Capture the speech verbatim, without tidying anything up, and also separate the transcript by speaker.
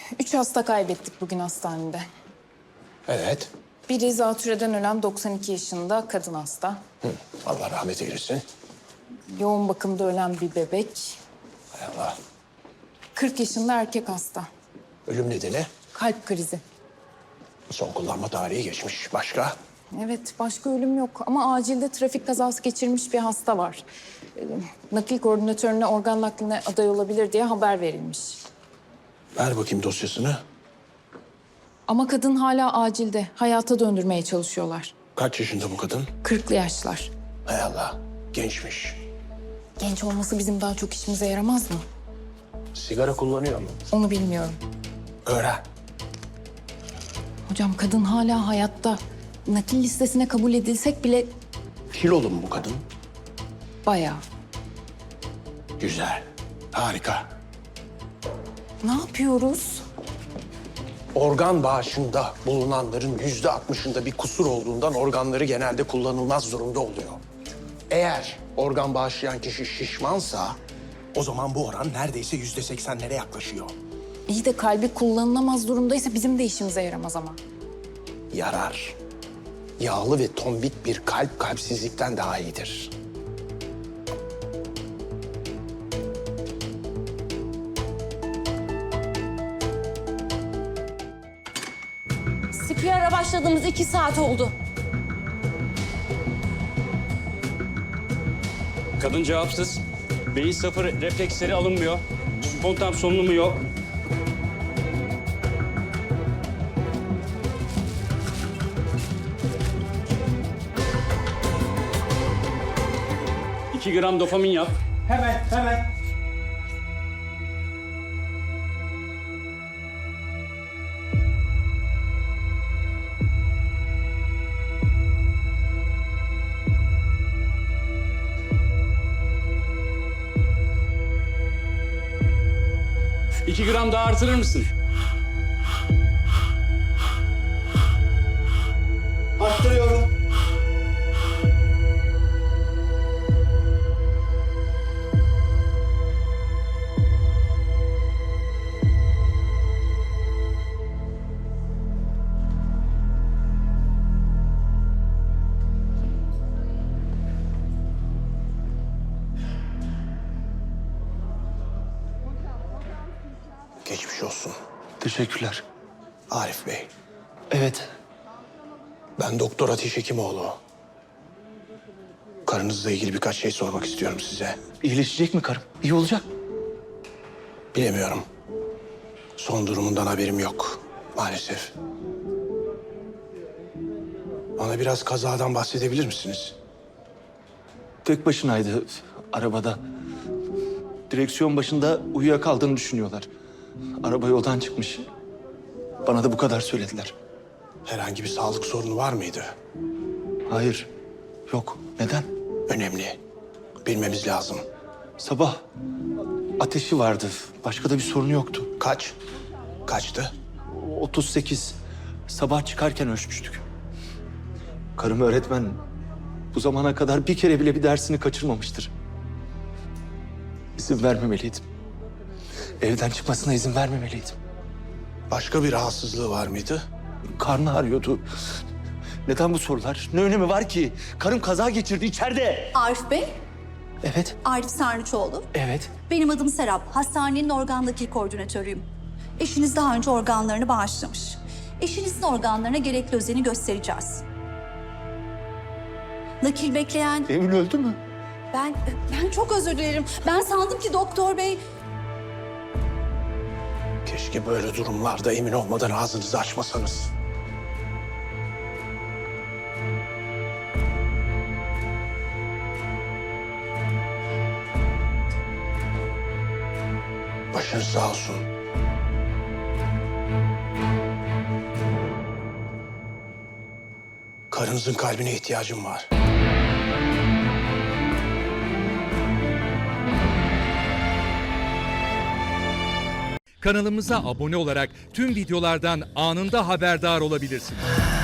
Speaker 1: Üç hasta kaybettik bugün hastanede.
Speaker 2: Evet.
Speaker 1: Biri zatürreden ölen doksan iki yaşında kadın hasta.
Speaker 2: Hı. Allah rahmet eylesin.
Speaker 1: Yoğun bakımda ölen bir bebek.
Speaker 2: Hay Allah.
Speaker 1: kırk yaşında erkek hasta.
Speaker 2: Ölüm nedeni
Speaker 1: Kalp krizi.
Speaker 2: son kullanma tarihi geçmiş. Başka?
Speaker 1: Evet, başka ölüm yok ama acilde trafik kazası geçirmiş bir hasta var. Ee, nakil koordinatörüne organ nakline aday olabilir diye haber verilmiş.
Speaker 2: Ver bakayım dosyasını.
Speaker 1: Ama kadın hala acilde. Hayata döndürmeye çalışıyorlar.
Speaker 2: Kaç yaşında bu kadın?
Speaker 1: kırklı yaşlar.
Speaker 2: Hay Allah. Gençmiş.
Speaker 1: Genç olması bizim daha çok işimize yaramaz mı?
Speaker 2: Sigara kullanıyor mu?
Speaker 1: Onu bilmiyorum.
Speaker 2: Öğren.
Speaker 1: Hocam kadın hala hayatta. Nakil listesine kabul edilsek bile
Speaker 2: Kilolu mu bu kadın?
Speaker 1: bayağı.
Speaker 2: Güzel. Harika.
Speaker 1: Ne yapıyoruz?
Speaker 2: Organ bağışında bulunanların yüzde altmışında bir kusur olduğundan organları genelde kullanılmaz durumda oluyor. Eğer organ bağışlayan kişi şişmansa o zaman bu oran neredeyse yüzde seksenlere yaklaşıyor.
Speaker 1: İyi de kalbi kullanılamaz durumdaysa bizim de işimize yaramaz ama.
Speaker 2: Yarar. Yağlı ve tombik bir kalp kalpsizlikten daha iyidir.
Speaker 3: C P R'a başladığımız iki saat oldu.
Speaker 4: Kadın cevapsız. Beyin sıfır, refleksleri alınmıyor. Spontan solunumu yok. İki gram dopamin yap.
Speaker 5: Hemen, hemen.
Speaker 4: İki gram daha artırır mısın?
Speaker 5: Arttırıyorum.
Speaker 2: Geçmiş olsun.
Speaker 6: Teşekkürler.
Speaker 2: Arif Bey,
Speaker 6: Evet.
Speaker 2: ben Doktor Ateş Hekimoğlu. Karınızla ilgili birkaç şey sormak istiyorum size.
Speaker 6: İyileşecek mi karım? İyi olacak.
Speaker 2: Bilemiyorum. Son durumundan haberim yok maalesef. Bana biraz kazadan bahsedebilir misiniz?
Speaker 6: Tek başınaydı arabada. Direksiyon başında uyuyakaldığını düşünüyorlar. Araba yoldan çıkmış. Bana da bu kadar söylediler.
Speaker 2: Herhangi bir sağlık sorunu var mıydı?
Speaker 6: Hayır. Yok. Neden?
Speaker 2: Önemli. Bilmemiz lazım.
Speaker 6: Sabah ateşi vardı. Başka da bir sorunu yoktu.
Speaker 2: Kaç? Kaçtı?
Speaker 6: otuz sekiz. Sabah çıkarken ölçmüştük. Karım öğretmen. Bu zamana kadar bir kere bile bir dersini kaçırmamıştır. İzin vermemeliydim. Evden çıkmasına izin vermemeliydim.
Speaker 2: Başka bir rahatsızlığı var mıydı?
Speaker 6: Karnı ağrıyordu. Neden bu sorular? Ne önemi var ki? Karım kaza geçirdi içeride.
Speaker 7: Arif Bey,
Speaker 6: Evet,
Speaker 7: Arif Sarnıçoğlu.
Speaker 6: evet.
Speaker 7: Benim adım Serap. Hastanenin organ nakil koordinatörüyüm. Eşiniz daha önce organlarını bağışlamış. Eşinizin organlarına gerekli özeni göstereceğiz. Nakil bekleyen...
Speaker 6: Emin öldü mü?
Speaker 7: Ben, ben çok özür dilerim. Ben sandım ki doktor bey...
Speaker 2: Keşke böyle durumlarda emin olmadan ağzınızı açmasanız. Başınız sağ olsun. Karınızın kalbine ihtiyacım var.
Speaker 8: Kanalımıza abone olarak tüm videolardan anında haberdar olabilirsiniz.